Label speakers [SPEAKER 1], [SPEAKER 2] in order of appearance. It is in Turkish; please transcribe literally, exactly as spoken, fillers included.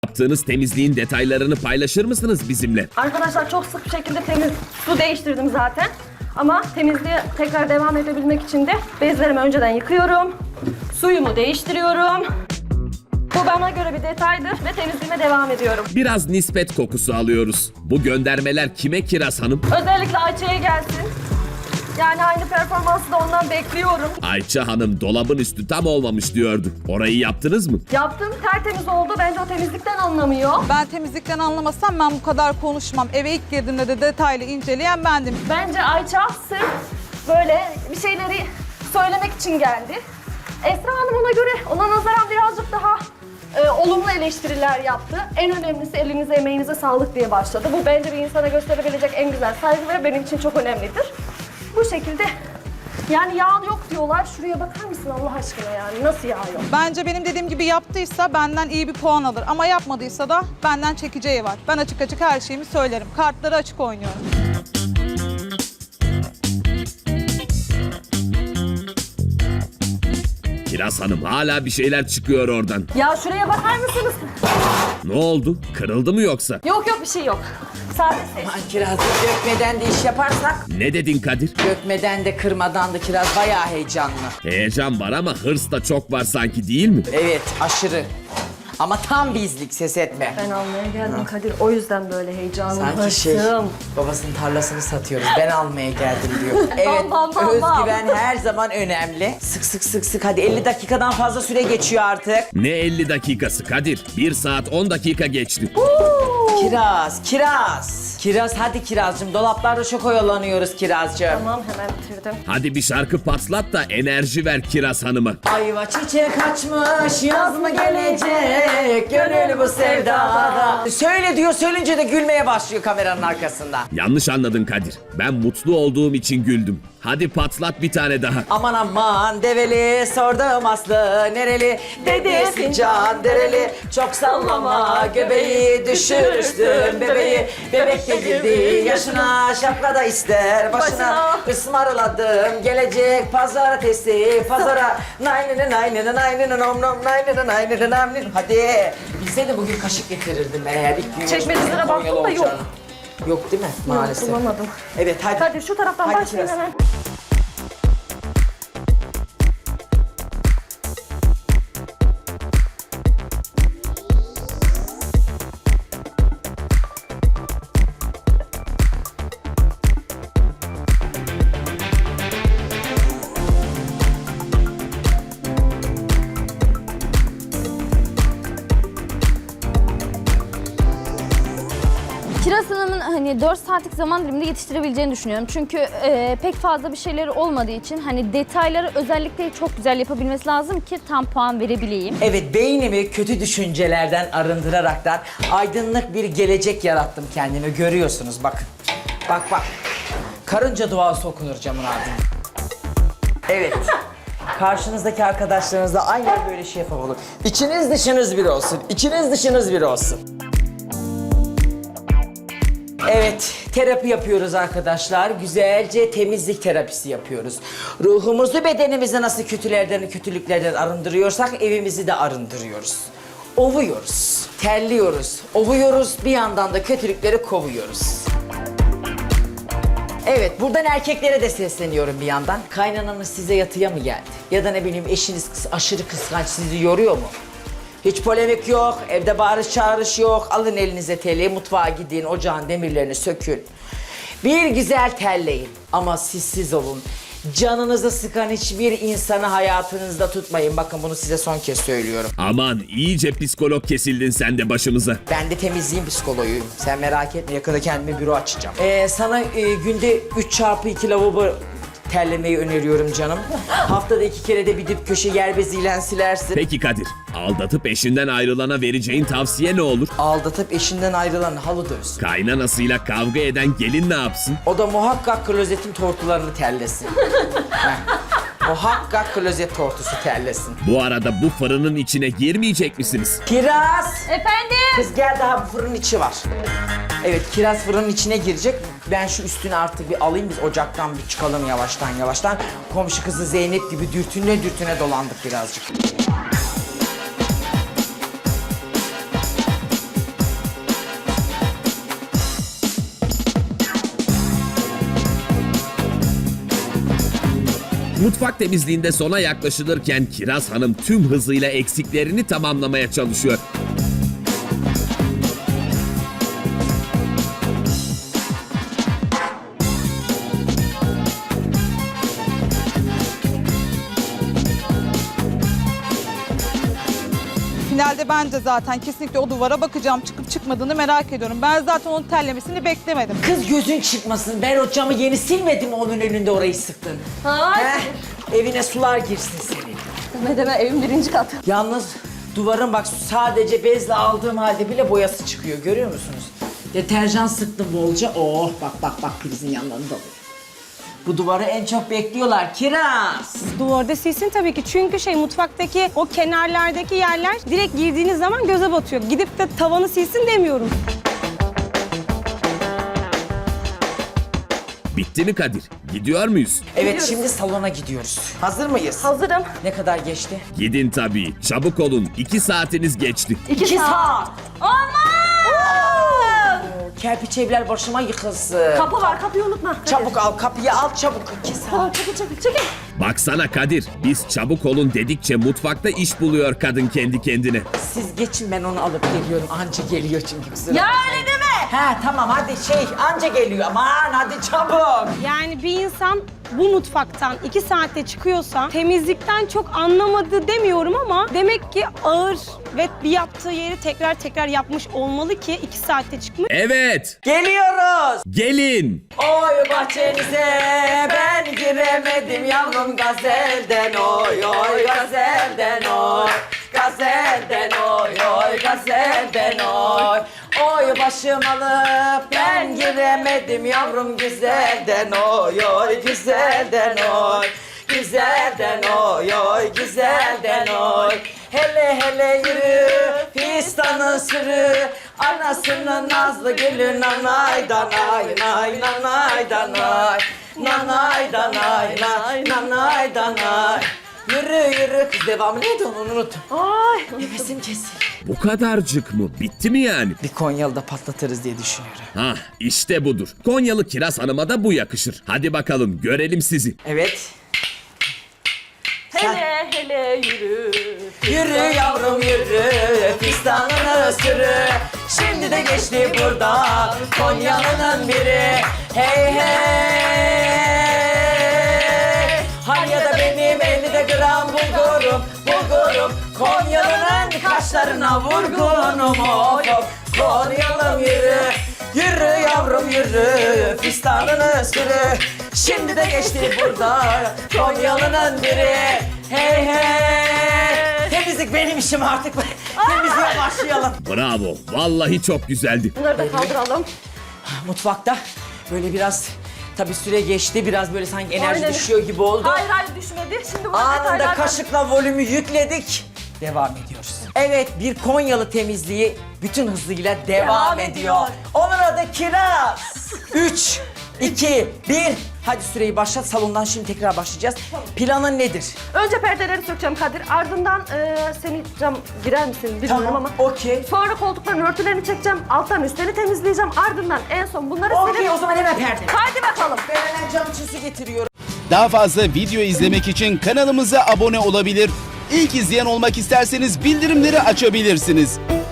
[SPEAKER 1] Yaptığınız temizliğin detaylarını paylaşır mısınız bizimle?
[SPEAKER 2] Arkadaşlar çok sık bir şekilde temiz su değiştirdim zaten. Ama temizliğe tekrar devam edebilmek için de bezlerimi önceden yıkıyorum. Suyumu değiştiriyorum. Bu bana göre bir detaydır ve temizliğime devam ediyorum.
[SPEAKER 1] Biraz nispet kokusu alıyoruz. Bu göndermeler kime Kiraz Hanım?
[SPEAKER 2] Özellikle Ayça'ya gelsin. Yani aynı performansı da ondan bekliyorum.
[SPEAKER 1] Ayça Hanım dolabın üstü tam olmamış diyordu. Orayı yaptınız mı?
[SPEAKER 2] Yaptım, tertemiz oldu. Bence o temizlikten anlamıyor.
[SPEAKER 3] Ben temizlikten anlamasam ben bu kadar konuşmam. Eve ilk girdiğimde de detaylı inceleyen bendim.
[SPEAKER 2] Bence Ayça sırf böyle bir şeyleri söylemek için geldi. Esra Hanım ona göre, ona nazaran birazcık daha e, olumlu eleştiriler yaptı. En önemlisi elinize, emeğinize sağlık diye başladı. Bu bence bir insana gösterebilecek en güzel saygı ve benim için çok önemlidir. Bu şekilde, yani yağ yok diyorlar. Şuraya bakar mısın Allah aşkına yani? Nasıl yağ yok?
[SPEAKER 3] Bence benim dediğim gibi yaptıysa benden iyi bir puan alır. Ama yapmadıysa da benden çekeceği var. Ben açık açık her şeyimi söylerim. Kartları açık oynuyorum.
[SPEAKER 1] Kiraz Hanım hala bir şeyler çıkıyor oradan.
[SPEAKER 2] Ya şuraya bakar mısınız?
[SPEAKER 1] Ne oldu? Kırıldı mı yoksa?
[SPEAKER 2] Yok yok bir şey yok. Sadece ses.
[SPEAKER 4] Aman kirazı dökmeden de iş yaparsak,
[SPEAKER 1] Ne dedin Kadir?
[SPEAKER 4] dökmeden de kırmadan da kiraz bayağı heyecanlı.
[SPEAKER 1] Heyecan var ama hırs da çok var sanki değil mi?
[SPEAKER 4] Evet, aşırı. Ama tam bizlik, ses etme.
[SPEAKER 2] Ben almaya geldim Kadir. O yüzden böyle heyecanlı.
[SPEAKER 4] Sanki şey,
[SPEAKER 2] hırsım.
[SPEAKER 4] babasının tarlasını satıyoruz. Ben almaya geldim diyor. Evet,
[SPEAKER 2] bam, bam, bam.
[SPEAKER 4] özgüven her zaman önemli. Sık sık sık sık, hadi elli dakikadan fazla süre geçiyor artık.
[SPEAKER 1] Ne elli dakikası Kadir? bir saat on dakika geçti.
[SPEAKER 4] Kiraz, kiraz. Kiraz, hadi kirazcığım. Dolaplarda çok oyalanıyoruz kirazcığım.
[SPEAKER 2] Tamam hemen bitirdim.
[SPEAKER 1] Hadi bir şarkı patlat da enerji ver Kiraz Hanım'a.
[SPEAKER 4] Ayva çiçek açmış, yaz mı gelecek? Gönül bu sevdada. Söyle diyor, söyleyince de gülmeye başlıyor kameranın arkasında.
[SPEAKER 1] Yanlış anladın Kadir. Ben mutlu olduğum için güldüm. Hadi patlat bir tane daha.
[SPEAKER 4] Aman aman develi, sordum aslı nereli? Dedi fincan dereli, çok sallama göbeği, düşürürsün bebeği. Bebek de girdi yaşına, şapka da ister başına.
[SPEAKER 2] Başına.
[SPEAKER 4] Ismarladım gelecek pazartesi pazara. Naynını naynını naynını nom nom naynını naynını naynını. Hadi bilseydim bugün kaşık getirirdim ben eğer ilk gün.
[SPEAKER 2] Çekmecelere
[SPEAKER 4] yarışmada
[SPEAKER 2] baktım
[SPEAKER 4] Konyalı
[SPEAKER 2] da yok.
[SPEAKER 4] olacağını. Yok değil mi? Maalesef.
[SPEAKER 2] Bulamadım.
[SPEAKER 4] Evet hadi.
[SPEAKER 2] Kadir şu taraftan
[SPEAKER 4] Hadi
[SPEAKER 2] başlayın
[SPEAKER 4] kiraz.
[SPEAKER 2] hemen.
[SPEAKER 5] Kiraz Hanım'ın hani dört saatlik zaman diliminde yetiştirebileceğini düşünüyorum. Çünkü e, pek fazla bir şeyleri olmadığı için hani detayları özellikle çok güzel yapabilmesi lazım ki tam puan verebileyim.
[SPEAKER 4] Evet, beynimi kötü düşüncelerden arındıraraktan aydınlık bir gelecek yarattım kendime. Görüyorsunuz bakın. Bak bak. Karınca duası okunur camın ardında. Evet. Karşınızdaki arkadaşlarınız da aynen böyle şey yapamalı. İçiniz dışınız bir olsun. İçiniz dışınız bir olsun. Evet, terapi yapıyoruz arkadaşlar. Güzelce temizlik terapisi yapıyoruz. Ruhumuzu, bedenimizi nasıl kötülerden, kötülüklerden arındırıyorsak evimizi de arındırıyoruz. Ovuyoruz, terliyoruz, ovuyoruz, bir yandan da kötülükleri kovuyoruz. Evet, buradan erkeklere de sesleniyorum bir yandan. Kaynananız size yatıya mı geldi? Ya da ne bileyim eşiniz kıs- aşırı kıskanç, sizi yoruyor mu? Hiç polemik yok, evde bağırış çağırış yok. Alın elinize teli, mutfağa gidin, ocağın demirlerini sökün. Bir güzel terleyin ama sizsiz olun. Canınızı sıkan hiçbir insanı hayatınızda tutmayın. Bakın bunu size son kez söylüyorum.
[SPEAKER 1] Aman iyice psikolog kesildin sen de başımıza.
[SPEAKER 4] Ben de temizliğin psikoloğuyum. Sen merak etme, yakında kendime büro açacağım. Ee, sana e, günde üç çarpı iki lavabo terlemeyi öneriyorum canım. Haftada iki kere de bir dip köşe yer beziyle silersin.
[SPEAKER 1] Peki Kadir, aldatıp eşinden ayrılana vereceğin tavsiye ne olur?
[SPEAKER 4] Aldatıp eşinden ayrılan halı dövsün.
[SPEAKER 1] Kaynanasıyla kavga eden gelin ne yapsın?
[SPEAKER 4] O da muhakkak klozetin tortularını terlesin. Heh. Muhakkak klozet tortusu terlesin.
[SPEAKER 1] Bu arada bu fırının içine girmeyecek misiniz?
[SPEAKER 4] Kiraz!
[SPEAKER 5] Efendim?
[SPEAKER 4] Kız gel, daha bu fırının içi var. Evet, kiraz fırının içine girecek. Ben şu üstünü artık bir alayım, biz ocaktan bir çıkalım yavaştan yavaştan. Komşu kızı Zeynep gibi dürtüne dürtüne dolandık birazcık.
[SPEAKER 1] Mutfak temizliğinde sona yaklaşılırken Kiraz Hanım tüm hızıyla eksiklerini tamamlamaya çalışıyor.
[SPEAKER 3] Finalde ben de zaten kesinlikle o duvara bakacağım. Çıkıp çıkmadığını merak ediyorum. Ben zaten onun terlemesini beklemedim.
[SPEAKER 4] Kız gözün çıkmasın. Ben o camı yeni silmedim, onun önünde orayı sıktın.
[SPEAKER 2] Hayır.
[SPEAKER 4] Heh, evine sular girsin senin.
[SPEAKER 2] Deme deme, evin birinci katı.
[SPEAKER 4] Yalnız duvarın bak sadece bezle aldığım halde bile boyası çıkıyor, görüyor musunuz? Deterjan sıktım bolca. Oh bak bak bak prizin yanlarında oluyor. Bu duvarı en çok bekliyorlar Kiraz.
[SPEAKER 6] Duvarda silsin tabii ki. Çünkü şey mutfaktaki o kenarlardaki yerler direkt girdiğiniz zaman göze batıyor. Gidip de tavanı silsin demiyorum.
[SPEAKER 1] Bitti mi Kadir? Gidiyor muyuz?
[SPEAKER 4] Evet
[SPEAKER 2] Gidiyoruz.
[SPEAKER 4] şimdi salona gidiyoruz. Hazır mıyız?
[SPEAKER 2] Hazırım.
[SPEAKER 4] Ne kadar geçti?
[SPEAKER 1] Gidin tabii. Çabuk olun. İki saatiniz geçti.
[SPEAKER 2] İki,
[SPEAKER 4] İki
[SPEAKER 2] saat.
[SPEAKER 4] saat.
[SPEAKER 2] Aman!
[SPEAKER 4] Kerpiç evler başıma yıkılsın.
[SPEAKER 2] Kapı var, kapıyı unutma.
[SPEAKER 4] Çabuk al kapıyı al çabuk. İki saat.
[SPEAKER 2] Aa, çekil çekil çekil.
[SPEAKER 1] Baksana Kadir, biz çabuk olun dedikçe mutfakta iş buluyor kadın kendi kendine.
[SPEAKER 4] Siz geçin ben onu alıp geliyorum. Anca geliyor çünkü kusura
[SPEAKER 2] Ya
[SPEAKER 4] bakmayın.
[SPEAKER 2] öyle deme.
[SPEAKER 4] He tamam hadi şey anca geliyor. Aman hadi çabuk.
[SPEAKER 6] Yani bir insan bu mutfaktan iki saatte çıkıyorsa temizlikten çok anlamadı demiyorum ama demek ki ağır ve bir yaptığı yeri tekrar tekrar yapmış olmalı ki iki saatte çıkmış.
[SPEAKER 1] Evet,
[SPEAKER 4] Geliyoruz.
[SPEAKER 1] gelin.
[SPEAKER 4] Oy bahçenize ben giremedim yavrum gazelden oy oy gazelden oy. Gazelden oy oy gazelden oy. Oy başım alıp ben giremedim yavrum güzelden oy oy güzelden oy. Güzelden oy oy güzelden oy. Hele hele yürü fistanı sürü. Anasının nazlı gülü nanay danay nay nanay danay. Nanay danay nay nanay danay. Yürü yürü kız devamı neydi onu unuttum.
[SPEAKER 2] Ay.
[SPEAKER 4] Nefesim kesildi.
[SPEAKER 1] Bu kadarcık mı? Bitti mi yani?
[SPEAKER 4] Bir Konyalı da patlatırız diye düşünüyorum.
[SPEAKER 1] Hah, işte budur. Konyalı Kiraz Hanım'a da bu yakışır. Hadi bakalım, görelim sizi.
[SPEAKER 4] Evet.
[SPEAKER 2] Hele hele yürü.
[SPEAKER 4] Yürü yavrum yürü, fistanını sürü. Şimdi de geçti buradan Konyalı'nın biri. Hey hey. Hanya'da benim ellide gram bulgurum, bulgurum. Konyalı'nın kaşlarına vurgunum of of. Konyalım yürü, yürü yavrum yürü, fistanını sürü. Şimdi de geçti burada Konyalı'nın biri. Hey hey. Temizlik benim işim artık. Temizliğe başlayalım.
[SPEAKER 1] Bravo, vallahi çok güzeldi.
[SPEAKER 2] Bunları da kaldıralım.
[SPEAKER 4] Mutfakta böyle biraz tabii süre geçti. Biraz böyle sanki enerji
[SPEAKER 2] Aynen.
[SPEAKER 4] düşüyor gibi oldu.
[SPEAKER 2] Hayır hayır düşmedi. Şimdi bu
[SPEAKER 4] Anında
[SPEAKER 2] detaylardan-
[SPEAKER 4] kaşıkla volümü yükledik. Devam ediyoruz. Evet bir Konyalı temizliği bütün hızıyla devam,
[SPEAKER 2] Devam
[SPEAKER 4] ediyor.
[SPEAKER 2] ediyor.
[SPEAKER 4] Onun adı Kiraz. Üç, iki, bir. Hadi süreyi başlat. Salondan şimdi tekrar başlayacağız. Planın nedir?
[SPEAKER 2] Önce perdeleri sökeceğim Kadir. Ardından e, seni cam girer misin bilmiyorum
[SPEAKER 4] Tamam,
[SPEAKER 2] ama.
[SPEAKER 4] okey.
[SPEAKER 2] Sonra koltukların örtülerini çekeceğim. Alttan üstlerini temizleyeceğim. Ardından en son bunları
[SPEAKER 4] Okey
[SPEAKER 2] silip...
[SPEAKER 4] o zaman hemen perde.
[SPEAKER 2] Haydi bakalım.
[SPEAKER 4] Ben hemen cam için su getiriyorum.
[SPEAKER 7] Daha fazla video izlemek için kanalımıza abone olabilir. İlk izleyen olmak isterseniz bildirimleri açabilirsiniz.